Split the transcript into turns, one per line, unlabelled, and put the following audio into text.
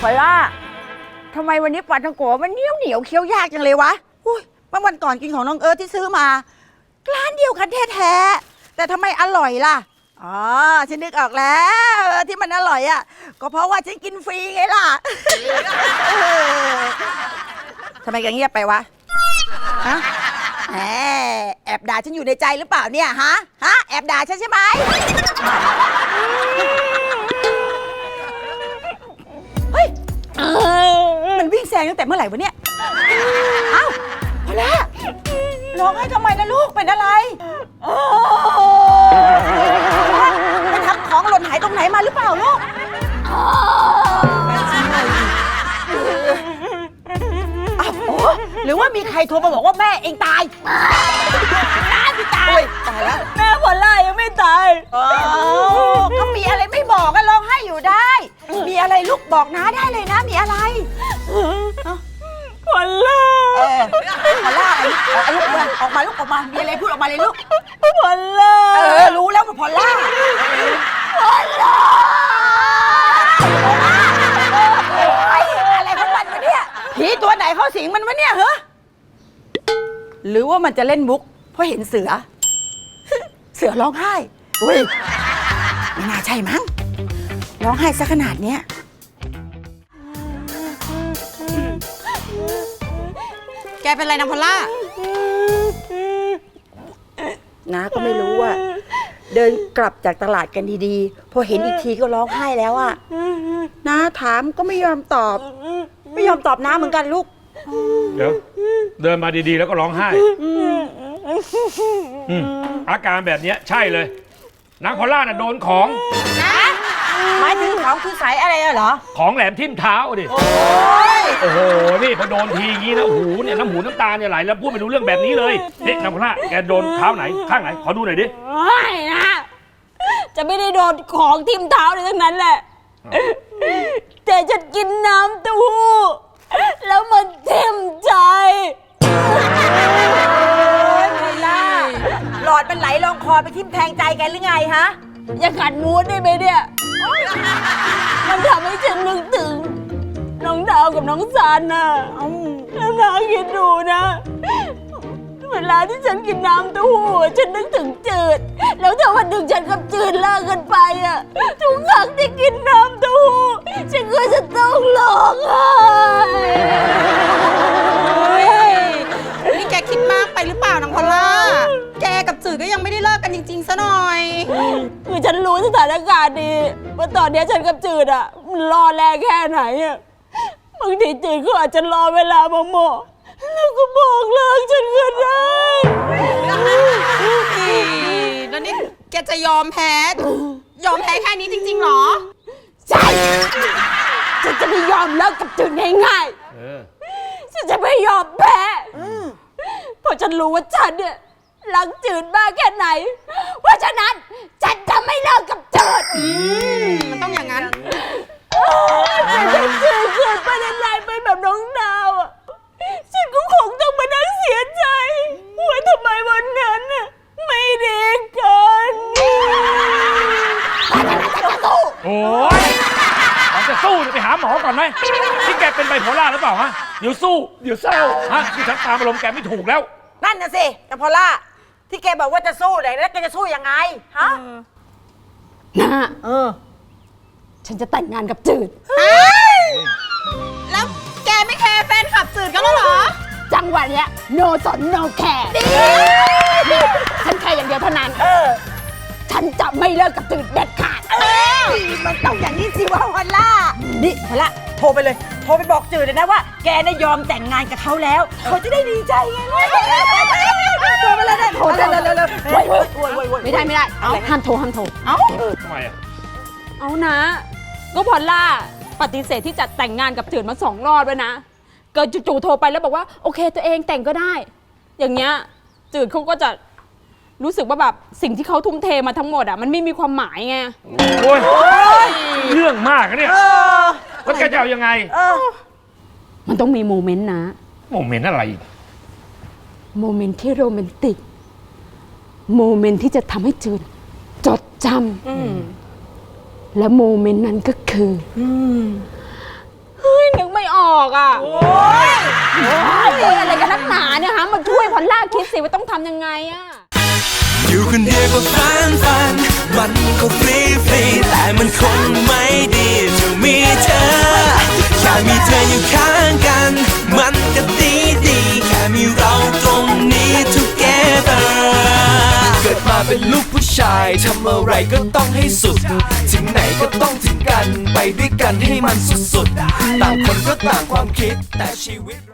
อล่าทำไมวันนี้ปลาท่องโกมันเหนียวเคี้ยวยากจังเลยวะอุ้ยเมื่อวันก่อนกินของน้องเอิร์ธที่ซื้อมาร้านเดียวกันแท้ๆแต่ทำไมอร่อยล่ะอ๋อฉันนึกออกแล้วที่มันอร่อยอ่ะก็เพราะว่าฉันกินฟรีไงล่ะ ทำไมแกเงียบไปวะฮะแอบด่าฉันอยู่ในใจหรือเปล่าเนี่ยฮะแอบด่าฉันใช่ไหมเฮ้ยมันวิ่งแซงตั้งแต่เมื่อไหร่วะเนี่ยเอ้าพอแล้วร้องให้ทำไมนะลูกเป็นอะไรไปทำของหล่นหายตรงไหนมาหรือเปล่าลูกหรือว่ามีใครโทรมาบอกว่าแม่เองตายน้าพี่ตายตายแล้วแม่พอล่ายังไม่ตายก็มีอะไรไม่บอกก็ร้องไห้อยู่ได้มีอะไรลูกบอกน้าได้เลยนะมีอะไรพอล่าพอล่าอะไรลูกออกมามีอะไรพูดออกมาเลยลูกพอล่ารู้แล้วมันพอล่าอะไรของมันวะเนี่ยผีตัวไหนเข้าสิงมันวะเนี่ยเหรอหรือว่ามันจะเล่นมุกเพราะเห็นเสือร้องไห้อุ้ยไม่น่าใช่มั้งร้องไห้ซะขนาดเนี้ย
แกเป็นไรนะพอลล่า
น้าก็ไม่รู้อ่ะเดินกลับจากตลาดกันดีๆพอเห็นอีกทีก็ร้องไห้แล้วอ่ะน้าถามก็ไม่ยอมตอบน้าเหมือนกันลูก
เดี๋ยวเดินมาดีๆแล้วก็ร้องไห้อาการแบบนี้ใช่เลยนางพอลล่าน่ะโดนของ
นะหมายถึงของคือสายอะไรเหรอ
ของแหลมทิ่มเท้าดิโอ้โหนี่พอโดนทีงี้นะหูเนี่ยน้ำหูน้ำตาเนี่ยไหลแล้วพูดไม่รู้เรื่องแบบนี้เลยนี่นางพอลล่าแกโดนเท้าไหนข้างไหนขอดูหน่อยดิ
ไม่นะจะไม่ได้โดนของทิ่มเท้าเลยทั้งนั้นแหละแต่ฉันกินน้ำเต้าหู้แล้วมันทิ่มใจ
หลอดมันไหลลงคอไปทิ่มแทงใจแกหรือไงฮะ
อย่าขัดมูดได้ไหมเนี่ยมันทำให้ฉันนึกถึงน้องดาวกับน้องซันน่ะแล้วนาคิดดูนะเวลาที่ฉันกินน้ำเต้าหู้ฉันนึกถึงจืดแล้วถ้าวันหนึ่งฉันกับจืดเลิกกันไปอ่ะทุกครั้งที่กินน้ำเต้าหู้ฉันก็จะต้องร้องไห้
นี่แกคิดมากไปหรือเปล่านางพอลล่าแกกับจืดก็ยังไม่ได้เลิกกันจริงๆซะหน่อย
คือฉันรู้สถานการณ์ดีว่าตอนนี้ฉันกับจืดอ่ะมันรอแรงแค่ไหนอ่ะบางทีจืดก็อาจจะรอเวลาเหมาะแล้วก็บอกเลิกฉันก็ได้
แล้วนี่แกจะยอมแพ้แค่นี้จริงๆหรอ
ใช่ฉันจะไม่ยอมเลิกกับจืดง่ายๆฉันจะไม่ยอมแพ้เพราะฉันรู้ว่าฉันเนี่ยรักจืดมากแค่ไหนเพราะฉะนั้นฉันจะไม่เลิกกับจืด
มันต้องอย่างนั้น
แต่ถ้าจืดเกิดประเด็นอะไรไปแบบน้องดาวอ่ะฉันก็คงต้องมานั่งเสียใจว่าทำไมวันนั้นน่ะไม่ดีกัน
โอ้ยจะสู้ไปหาหมอก่อนไหมที่แกเป็นไบโพล่าหรือเปล่าฮะเดี๋ยวสู้เดี๋ยวเศร้าฮะที่ฉันตามอารมณ์แกไม่ถูกแล้ว
นั่นน่ะสิแต่พอล่าที่แกบอกว่าจะสู้ไหนแล้วแกจะสู้ยังไงฮะ
นะฉันจะแต่งงานกับจืด
แล้วแกไม่แคร์แฟนคลับจืดกันแล้วเหรอ
จังหวะเนี้ยโนสนโนแคร์ฉันแค่อย่างเดียวเท่านั้นฉันจะไม่เลิกกับจืดเด็ดขาด
มันต้องอย่างนี้สิวะพอล่านี่พอล่าโทรไปเลยโทรไปบอกจืดเลยนะว่าแกน่ะยอมแต่งงานกับเขาแล้วเขาจะได้ดีใจไงโทรไปเลยนะโทรเร็ว
ไม่ได้ห้ามโทร
เอ้าทำไมอ่ะ
เอานะก็พอล่าปฏิเสธที่จะแต่งงานกับจืดมา2 รอบแล้วนะเกิดจู่ๆโทรไปแล้วบอกว่าโอเคตัวเองแต่งก็ได้อย่างเงี้ยจืดเขาก็จะรู้สึกว่าแบบสิ่งที่เขาทุ่มเทมาทั้งหมดอ่ะมันไม่มีความหมายไง
โอ้ยเรื่องมากนะเนี่ยแล้วแกจะเอายังไง
มันต้องมีโมเมนต์นะ
โมเมนต์อะไร
โมเมนต์ที่โรแมนติกโมเมนต์ที่จะทำให้จืดจดจำและโมเมนต์นั้นก็คือออกอ่ะโอ้ยอะไรกันนักหนาเนี่ยฮะมาช่วยพอลล่าคิดสิว่าต้องทำยังไงอ่ะ
อยู่คนเดียวก็ฟันมันก็ฟรีแต่มันคงไม่ดีจะมีเธอแค่มีเธออยู่ข้างกันมันก็ดีแค่มีเราตรงนี้ together เกิดมาเป็นลูกผู้ชายทำอะไรก็ต้องให้สุดถึงไหนก็ต้องถึงกันไปด้วยกันให้มันสุดๆต่างคนก็ต่างความคิดแต่ชีวิต